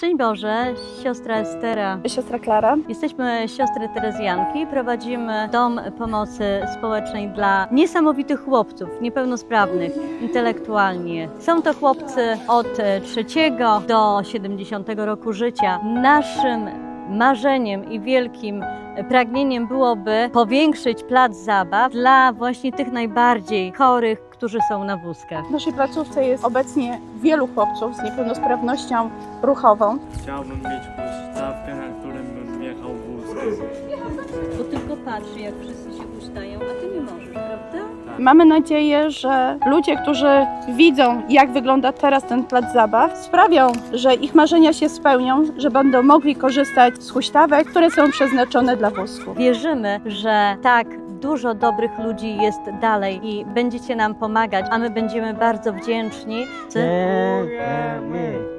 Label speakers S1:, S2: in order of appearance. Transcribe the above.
S1: Szczęść Boże, siostra Estera.
S2: Siostra Klara.
S1: Jesteśmy siostry Terezjanki, prowadzimy dom pomocy społecznej dla niesamowitych chłopców, niepełnosprawnych intelektualnie. Są to chłopcy od 3 do 70 roku życia. Naszym marzeniem i wielkim pragnieniem byłoby powiększyć plac zabaw dla właśnie tych najbardziej chorych, którzy są na wózkach.
S2: W naszej placówce jest obecnie wielu chłopców z niepełnosprawnością ruchową.
S3: Chciałbym mieć huśtawkę, na którym bym wjechał wózkiem.
S1: Bo tylko patrzy, jak wszyscy się ustają, a ty nie możesz, prawda?
S2: Mamy nadzieję, że ludzie, którzy widzą, jak wygląda teraz ten plac zabaw, sprawią, że ich marzenia się spełnią, że będą mogli korzystać z huśtawek, które są przeznaczone dla wózków.
S1: Wierzymy, że tak dużo dobrych ludzi jest dalej i będziecie nam pomagać, a my będziemy bardzo wdzięczni.
S4: Dziękujemy.